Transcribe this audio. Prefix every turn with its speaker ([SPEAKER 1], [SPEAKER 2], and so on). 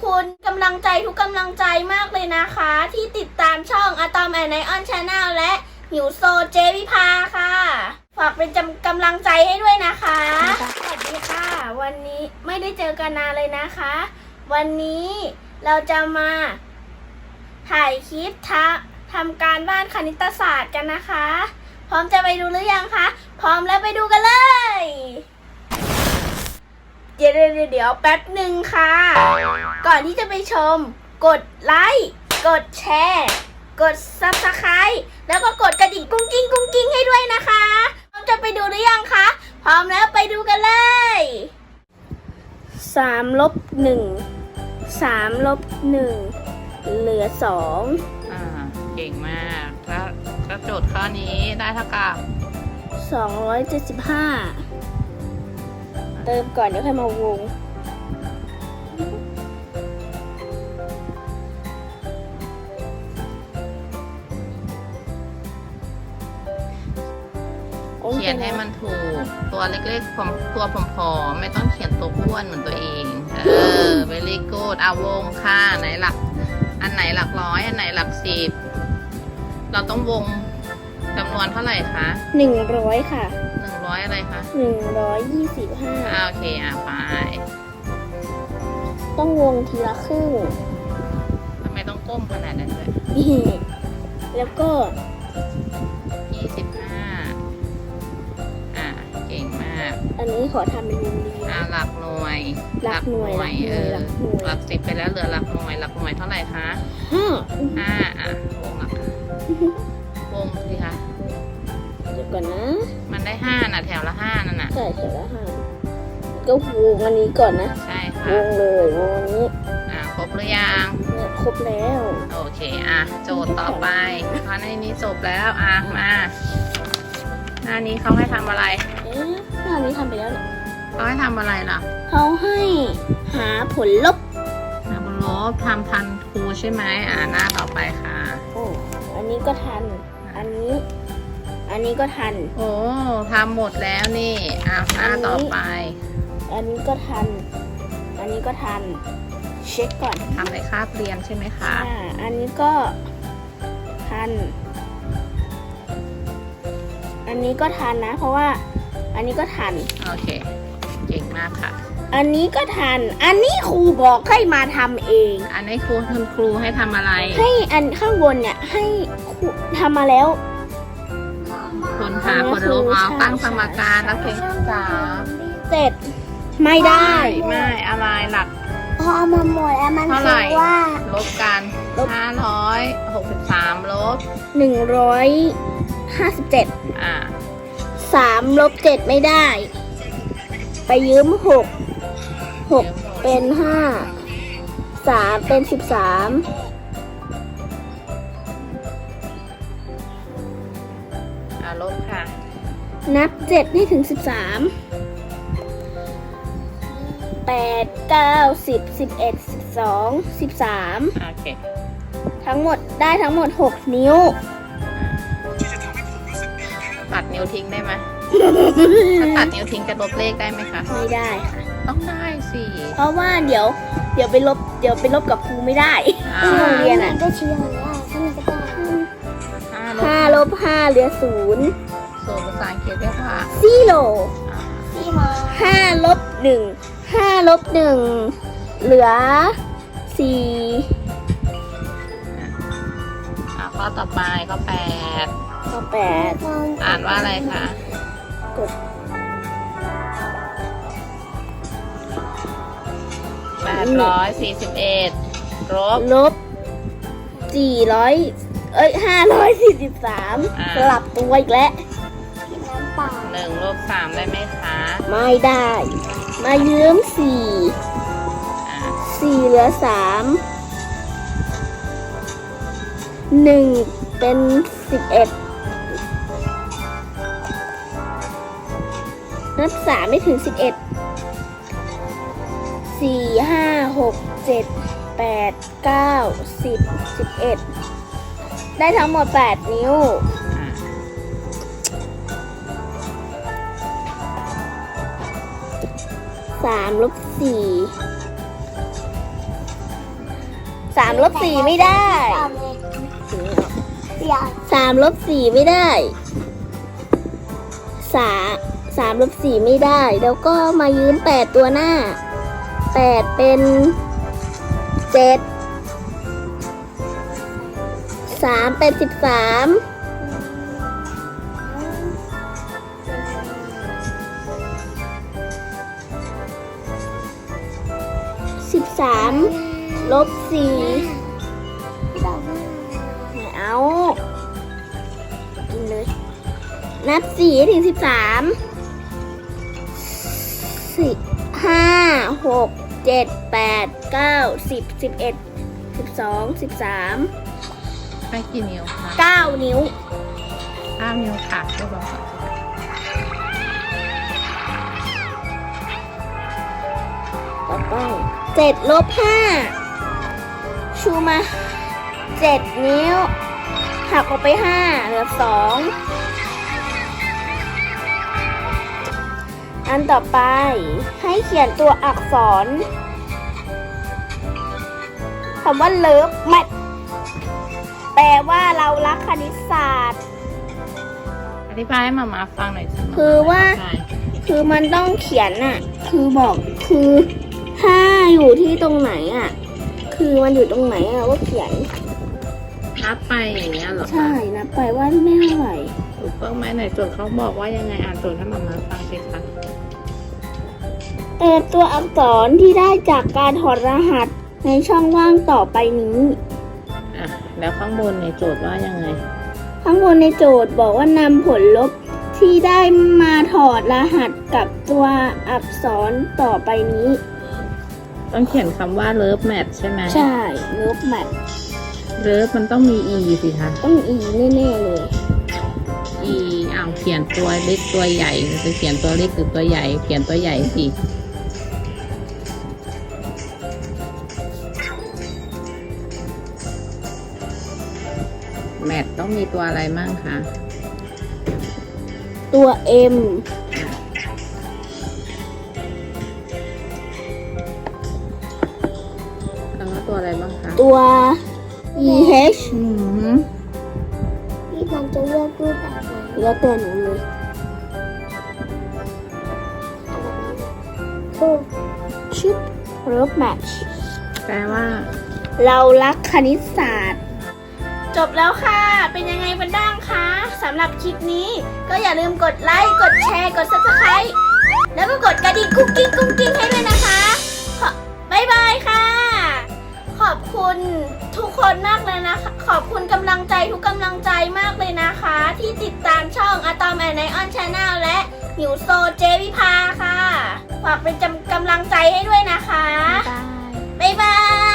[SPEAKER 1] คุณกำลังใจทุกกำลังใจมากเลยนะคะ ที่ติดตามช่องอะตอมแอนไนออนชาแนลและหิวโซเจวิภาค่ะฝากเป็นกำลังใจให้ด้วยนะคะสวัสดีค่ะวันนี้ไม่ได้เจอกันนานเลยนะคะ วันนี้เราจะมาถ่ายคลิปทำการบ้านคณิตศาสตร์กันนะคะ พร้อมจะไปดูหรือยังคะพร้อมแล้วไปดูกันเลยเดี๋ยวแป๊บหนึ่งค่ะ ก่อนที่จะไปชมกดไลค์กดแชร์กด Subscribe แล้วก็กดกระดิ่งกุ้งกิ้งให้ด้วยนะคะพร้อมจะไปดูหรือยังคะพร้อมแล้วไปดูกันเลย3 ลบ 1 3 ลบ 1เหลือ2
[SPEAKER 2] เก่งมากแล้วโจทย์ข้อนี้ได้เท่ากับ
[SPEAKER 1] 275เติมก่อนเดี๋ยวค่อยมาวง
[SPEAKER 2] เขียนให้มันถูกตัวเล็กๆตัวผอมๆไม่ต้องเขียนตัวอ้วนเหมือนตัวเองvery good วงค่ะไหนหลักอันไหนหลักร้อยอันไหนหลัก10เราต้องวงจำนวนเท่าไหร่คะ
[SPEAKER 1] 100ค่ะ
[SPEAKER 2] 100อะไรคะ
[SPEAKER 1] 125
[SPEAKER 2] โอเคไป
[SPEAKER 1] ต้องวงทีละครึ่ง
[SPEAKER 2] ทำไมต้องก้มขนาดนั้นด้วย
[SPEAKER 1] แล้วก็
[SPEAKER 2] 25เก่งมาก
[SPEAKER 1] อันนี้ขอทำเป็นวงรี
[SPEAKER 2] หลักหน่วยหลัก10ไปแล้วเหลือหลักหน่วยเท่าไหร่คะ5วงหลักวงสิคะ
[SPEAKER 1] เดี๋ยวก่อนนะ
[SPEAKER 2] มันได้5นะแถวละ5นั่นน่ะ
[SPEAKER 1] ใช่แถวละ5ก็วงอันนี้ก่อนนะ
[SPEAKER 2] ใช่ค่ะ
[SPEAKER 1] วงเลยวงอันนี้
[SPEAKER 2] ครบหรือยัง
[SPEAKER 1] เนี่ยครบแล้ว
[SPEAKER 2] โอเคโจทย์ต่อไปข้อนี้จบแล้วมาหน้านี้เขาให้ทำอะไร
[SPEAKER 1] หน้านี้ทำไปแล้ว
[SPEAKER 2] เขาให้ทำอะไรล่ะ
[SPEAKER 1] เขาให้หาผลลบ
[SPEAKER 2] ทำทันครูใช่ไหมหน้าต่อไปค่ะ
[SPEAKER 1] อันนี้ก็ทันอันนี้ก็ทัน
[SPEAKER 2] โอ้ทำหมดแล้วนี่หน้าต่อไป
[SPEAKER 1] อันนี้ก็ทันอันนี้ก็ทันเช็คก่อน
[SPEAKER 2] ทำในคาบเรียนใช่ไหมคะ
[SPEAKER 1] อันนี้ก็ทันอันนี้ก็ทันนะเพราะว่าอันนี้ก็ทัน
[SPEAKER 2] โอเคเก่งมากค่ะ
[SPEAKER 1] อันนี้ก็ทันอันนี้ครูบอกให้มาทำเอง
[SPEAKER 2] อันนี้ครูให้ทำอะไร
[SPEAKER 1] ให้อันข้างบนเนี่ยให้ครูทำมาแล้ว
[SPEAKER 2] คนหาคนลบตั้งสมการแล้วเพลง
[SPEAKER 1] เสร็จไม่ได้
[SPEAKER 2] ไม่อะไรหลัก
[SPEAKER 1] พอมาหมดแล้วมันเท่าไหร่ว่า
[SPEAKER 2] ลบกัน563ลบ
[SPEAKER 1] 1573 ลบ 7ไม่ได้ไปยืม6เป็น5 3เป็น13
[SPEAKER 2] ลบค่ะ
[SPEAKER 1] นับ7ให้ถึง13 8 9 10 11 12 13
[SPEAKER 2] โอเค
[SPEAKER 1] ทั้งหมด6 นิ้ว
[SPEAKER 2] ตัดนิ้วทิ้งได้ไหมถ้าตัดนิ้วทิ้งจะลบเลขได้ไหมคะ
[SPEAKER 1] ไม่ได้ค่ะ
[SPEAKER 2] ต้องได้สิ
[SPEAKER 1] เพราะว่าเดี๋ยวไปลบกับครูไม่ได้ที่โรงเรียนก็เชื่อว่า5 ลบ 5เหลือ0
[SPEAKER 2] ภาษาอังกฤษเรียกว่า
[SPEAKER 1] 5 ลบ 1 5 ลบ 1เหลือ4
[SPEAKER 2] ข้อต่อไปข้อ8อ่านว่าอะไรคะ
[SPEAKER 1] กด
[SPEAKER 2] 841ลบ
[SPEAKER 1] 543สลับตัวอีกแล้ว
[SPEAKER 2] 1 ลบ 3ได้ไหมคะ
[SPEAKER 1] ไม่ได้มายืม4เหลือ3 1เป็น11นับ3ไม่ถึง11 4 5 6 7 8 9 10 11ได้ทั้งหมด8 นิ้ว3 ลบ 4 3 ลบ 4ไม่ได้ 3 ลบ 4ไม่ได้3 ลบ 4ไม่ได้ แล้วก็มายืม8ตัวหน้า 8 เป็น 7 3 เป็น 13 13 ลบ 4ไม่เอากินเลย นับ4ถึง 13 5 6 7 8 9 10 11 12 13
[SPEAKER 2] ไปกี่นิ้วคะ
[SPEAKER 1] 9 นิ้ว
[SPEAKER 2] 9 นิ้วค่ะเรียบร้อยค่ะ
[SPEAKER 1] ต่อไป7 ลบ 5 ชูมา 7 นิ้ว หักออกไป 5 เหลือ 2 อันต่อไปให้เขียนตัวอักษรคำว่าเลิฟแมทแปลว่าเรารักคณิตศาสตร์
[SPEAKER 2] อธิบายให้มามาฟังหน่อยสิ
[SPEAKER 1] คือว่า คือมันต้องเขียนอะคือบอกคือ5อยู่ที่ตรงไหนอะคือมันอยู่ตรงไหนอะว่าเขียน
[SPEAKER 2] นับไปอย่างเงี้ยเหรอคะ
[SPEAKER 1] ใช่นะไปว่าไม่เท่าไหร่
[SPEAKER 2] ถูกต้องไหมไหนโจทย์เขาบอกว่ายังไงอ่านโจทย์ให้มามาฟังสิคะ
[SPEAKER 1] ตัวอักษรที่ได้จากการถอดรหัสในช่องว่างต่อไปนี้
[SPEAKER 2] อ่ะแล้วข้างบนในโจทย์ว่ายังไง
[SPEAKER 1] ข้างบนในโจทย์บอกว่านำผลลบที่ได้มาถอดรหัสกับตัวอักษรต่อไปนี้
[SPEAKER 2] ต้องเขียนคำว่า love match ใช่ไหม
[SPEAKER 1] ใช่ลบแมท
[SPEAKER 2] love มันต้องมี e สิคะ
[SPEAKER 1] ต้องอีแน่ๆเลย
[SPEAKER 2] e อ้าวเขียนตัวเล็กตัวใหญ่จะเขียนตัวเล็กหรือตัวใหญ่เขียนตัวใหญ่สิแมทต้องมีตัวอะไรมั่งคะ
[SPEAKER 1] ตัว M
[SPEAKER 2] แล้วก็ตัวอะไรบ้างคะ
[SPEAKER 1] ตัว EH
[SPEAKER 3] พี่มันจะเลือกรูปแบบไหน
[SPEAKER 1] แล้วแต่หนูเลย
[SPEAKER 3] รูป
[SPEAKER 1] ชิปลบแมท
[SPEAKER 2] แปลว่า
[SPEAKER 1] เรารักคณิตศาสตร์ จบแล้วค่ะ เป็นยังไงกันบ้างคะสำหรับคลิปนี้ ก็อย่าลืมกดไลค์ กดแชร์ กด Subscribe แล้วก็กดกระดิ่งกุ๊กกิ๊งกุ๊กกิ๊งให้ด้วยนะคะบ๊ายบายค่ะ ขอบคุณทุกคนมากเลยนะคะ ขอบคุณกำลังใจทุกกำลังใจมากเลยนะคะ ที่ติดตามช่อง Atom and Ion Channel และหิวโซเจวิภาค่ะ ฝากเป็นกำลังใจให้ด้วยนะคะ
[SPEAKER 3] บาย
[SPEAKER 1] บ๊ายบาย